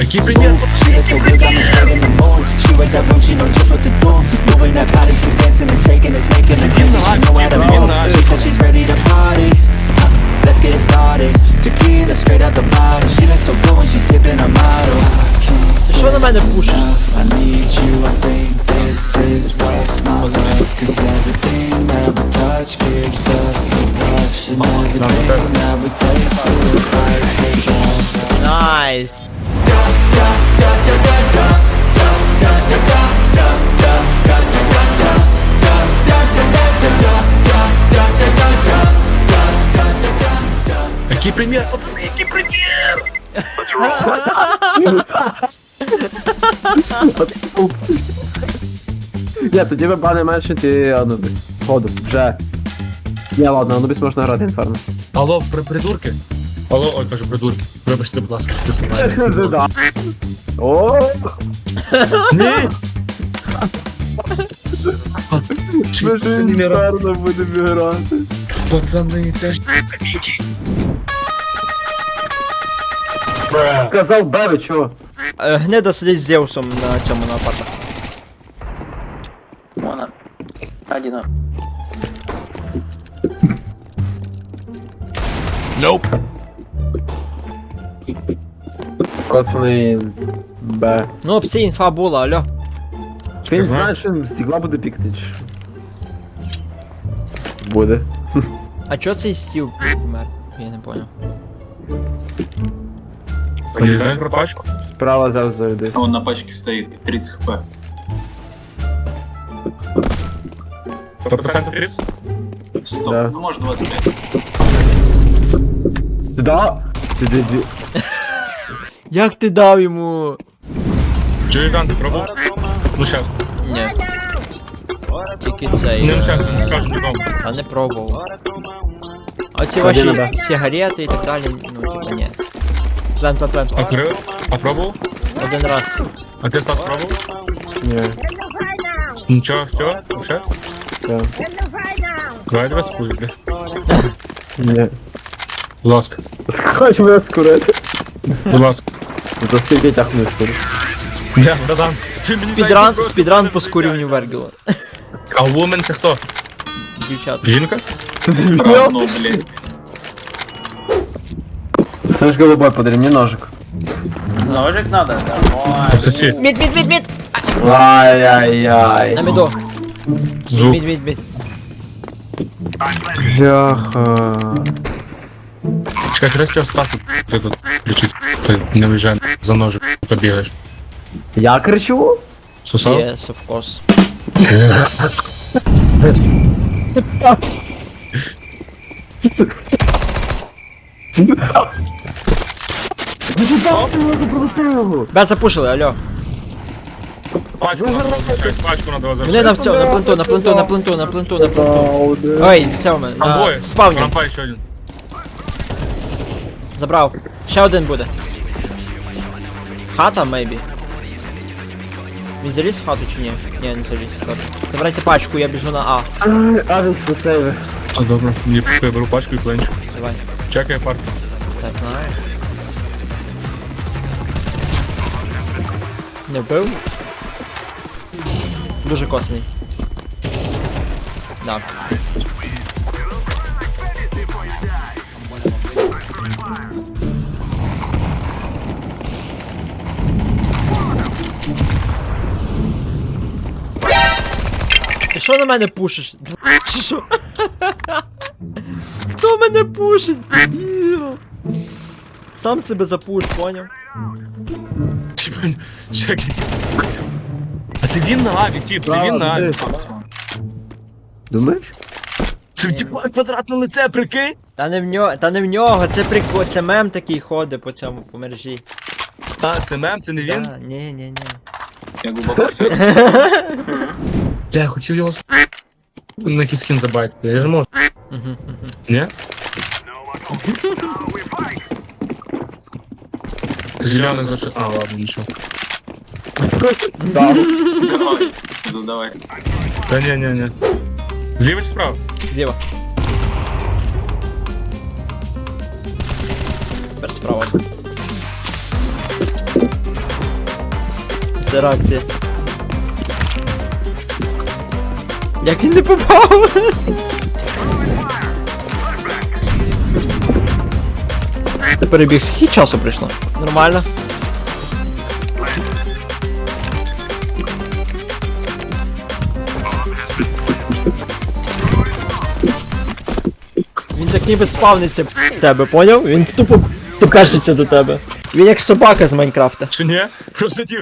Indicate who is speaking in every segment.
Speaker 1: Какие пример?
Speaker 2: She looks so good, got me straight in the mood. She read that room, she know just what to do. Moving that body, she dancing and shaking, it's making me dizzy. She know how to move. She said she's ready to party. Let's get it started. Tequila straight out the bottle. She looks so good when she's sipping her model.
Speaker 3: Що на мене пушиш?
Speaker 2: I need you, I think this is what's not love. Cause everything that we touch gives us a rush. And everything that we taste feels like deja.
Speaker 3: Найс.
Speaker 1: Какие пример, пацаны, какие пример?
Speaker 4: Ні, тоді ви бани меншити Анубіс. Ходу, вже. Ні, ладно, Анубіс можна грати інферно.
Speaker 1: Алло, придурки? Алло, ой, кажу, придурки. Вибачте, будь ласка, ти слухаєш.
Speaker 4: Да. О!
Speaker 1: Ні! Пацани,
Speaker 4: Ми ж інферно будемо грати.
Speaker 1: пацани, це ж
Speaker 4: Казав Беві, чого?
Speaker 3: Гнида сидить з Зевсом на цьому на апартах.
Speaker 5: Вон один.
Speaker 4: Коцаний Б.
Speaker 3: Ну, опція інфа була, алло.
Speaker 4: Він знає, що він стігла буде пікати, чи що? Буде.
Speaker 3: А чо цей стіл помер? Я не понял.
Speaker 1: не знаємо про пачку.
Speaker 4: Справа завжди.
Speaker 5: Он на пачке стоит, 30 хп.
Speaker 1: 100% 30?
Speaker 5: Стоп,
Speaker 4: Да.
Speaker 5: ну может 25.
Speaker 4: Да?
Speaker 3: Як ти дав йому?
Speaker 1: Чуєш, Дан, ти пробував? Ну, щас.
Speaker 3: Ні. Тільки цей.
Speaker 1: Ну, щас, не скажу нікому.
Speaker 3: Та не пробував. А ці
Speaker 4: Ходи на
Speaker 3: ваші
Speaker 4: Б.
Speaker 3: сигарети і так далі, ну типа ні. Плен.
Speaker 1: Открив? А пробував?
Speaker 3: Один раз.
Speaker 1: А ти, Стас, пробував?
Speaker 4: Ні.
Speaker 1: Нічого, все? Вообще?
Speaker 4: Так.
Speaker 1: Давай тебе скую, бля.
Speaker 4: Ні.
Speaker 1: Будь ласка.
Speaker 4: Хоч мене скурити.
Speaker 1: Будь ласка.
Speaker 4: За скільки тягну скурити.
Speaker 1: Бля, братан. Ти мені
Speaker 3: Спідран по скурюванню Вергіла.
Speaker 1: А Woman це хто?
Speaker 3: Дівчата.
Speaker 1: Жінка?
Speaker 5: Равно, блин.
Speaker 4: Слышь, голубой, подари мне ножик.
Speaker 5: Ножик надо? Давай.
Speaker 1: Пососи.
Speaker 3: Мід!
Speaker 4: Ай-яй-яй.
Speaker 3: На міду.
Speaker 1: Звук.
Speaker 3: Мід.
Speaker 4: Бляха.
Speaker 1: Чекай, краще цього Стаса ти тут кричить. Ти не виїжджай за ножик, побігаєш.
Speaker 4: Я кричу?
Speaker 1: Сосав?
Speaker 3: Yes, of course. Б запушили, алло.
Speaker 1: Пачку надо возвращать, пачку надо
Speaker 3: Мене
Speaker 1: возвращать.
Speaker 3: на пленту. Ой, це у мене.
Speaker 1: Там двоє.
Speaker 3: На спавні.
Speaker 1: Рампа ще один.
Speaker 3: Забрав. Ще один буде. Хата, maybe. Він заліз в хату чи ні? Ні, не заліз. Добре. Забирайте пачку, я біжу на А.
Speaker 4: Авікса сейви.
Speaker 1: А, добре. Я беру пачку і пленчу.
Speaker 3: Давай.
Speaker 1: Чекай парту.
Speaker 3: Я знаю. Не вбив? Дуже косний. Да. Ти що на мене пушиш? Чи що? Хто мене пушить? Дебіл. Сам себе запуш, поняв?
Speaker 1: Типа, чекай. А це він на аві, тип, це він на аві.
Speaker 4: Думаєш?
Speaker 1: Це типа квадратне лице, прикинь?
Speaker 3: Та не в нього, це прикол, це мем такий ходить по цьому, по мережі.
Speaker 1: А, це мем, це не він?
Speaker 3: Да, ні.
Speaker 5: Я глубоко все.
Speaker 1: Бля, я хотів його на кіскін забайтити, я ж можу. Ні? Зеленый зашел. А, ладно, ничего.
Speaker 4: Да.
Speaker 5: Давай, задавай.
Speaker 1: Да не. Зліва чи справа?
Speaker 3: Зліва. Тепер справа. Це реакція. Як він не попав? Ти перебіг, скільки часу прийшло? Нормально. Він так ніби спавниться в тебе, поняв? Він тупо тепешиться до тебе. Він як собака з Майнкрафта.
Speaker 1: Чи ні? Просто тір.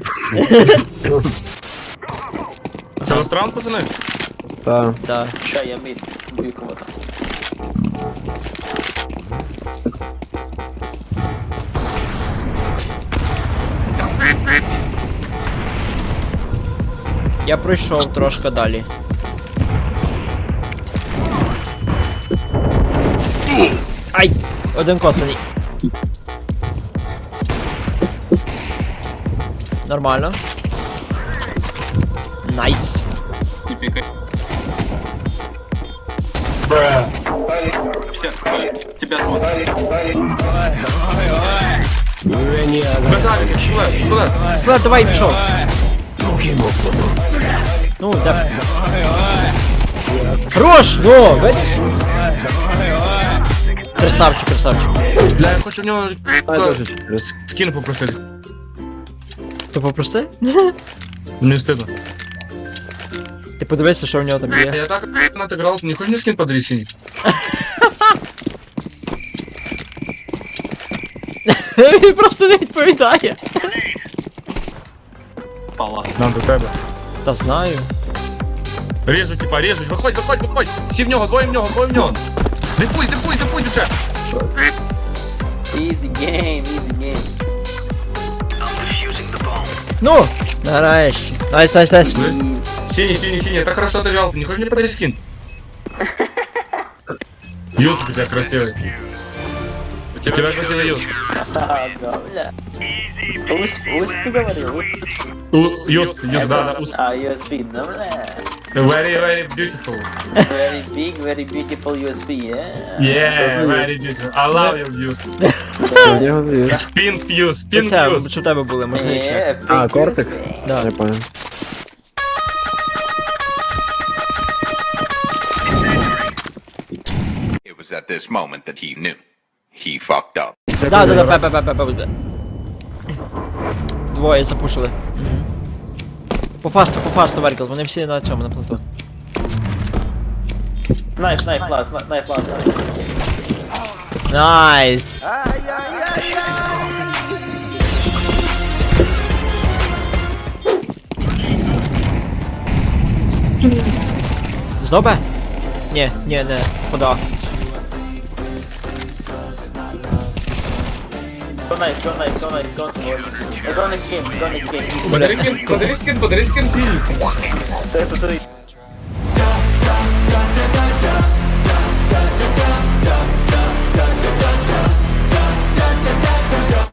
Speaker 1: Це на стран, пацани?
Speaker 4: Та.
Speaker 3: Так.
Speaker 5: Ща, я мид. Б'ю кого-то.
Speaker 3: Я пройшов трошки далі. Ай! Один коцаний. Нормально. Найс.
Speaker 5: Не пикай. Все, тебя смотрят.
Speaker 1: Базарик, пістолет, пістолет.
Speaker 3: След, давай, пішов. Ну, да. Хорош! Ну, видиш? Красавчик, красавчик.
Speaker 1: Бля, я хочу в нього
Speaker 4: Дуже.
Speaker 1: скін попросити.
Speaker 3: Ти попроси?
Speaker 1: Мені стидно.
Speaker 3: Ти подивися, що в нього там є.
Speaker 1: Я так натиграв, не хочеш мені скін подарити синій?
Speaker 3: Він просто не відповідає.
Speaker 5: Палас.
Speaker 1: Нам до тебе.
Speaker 3: Та знаю.
Speaker 1: Режу, типа, режу. Виходь, виходь, виходь. Всі в нього, двоє в нього, двоє в нього. Дефуй, дефуй, дефуй, дівчат.
Speaker 5: Easy game, easy game.
Speaker 3: Ну, нарешті. Найс, найс, найс.
Speaker 1: Синий, синий, синий. Так хорошо отыграл. Ты не хочешь мне подарить скин? Юст у тебя красивый. У тебя красивый юст.
Speaker 5: Да, бля. Усп ты говорил?
Speaker 1: Юст, да, да, усп.
Speaker 5: А, USB, да, бля.
Speaker 1: Very, very beautiful.
Speaker 5: Very beautiful USB, yeah?
Speaker 1: Yeah, very beautiful. I love you, Юст.
Speaker 4: Я його звів.
Speaker 1: Spin Fuse, Spin
Speaker 3: Це,
Speaker 1: Fuse.
Speaker 3: що в тебе були, можна їх ще.
Speaker 4: А, Кортекс?
Speaker 3: Да.
Speaker 4: Я понял.
Speaker 6: It was at this moment that he knew. He fucked up.
Speaker 3: Да, да, да, пе. Двоє запушили. По фасту, Веркл, вони всі на цьому, на плату.
Speaker 5: Knife, last.
Speaker 3: Найс! Знов Б? Ні, не, куда?
Speaker 5: Go next game.
Speaker 1: Подари скин, синий.
Speaker 5: Это 3.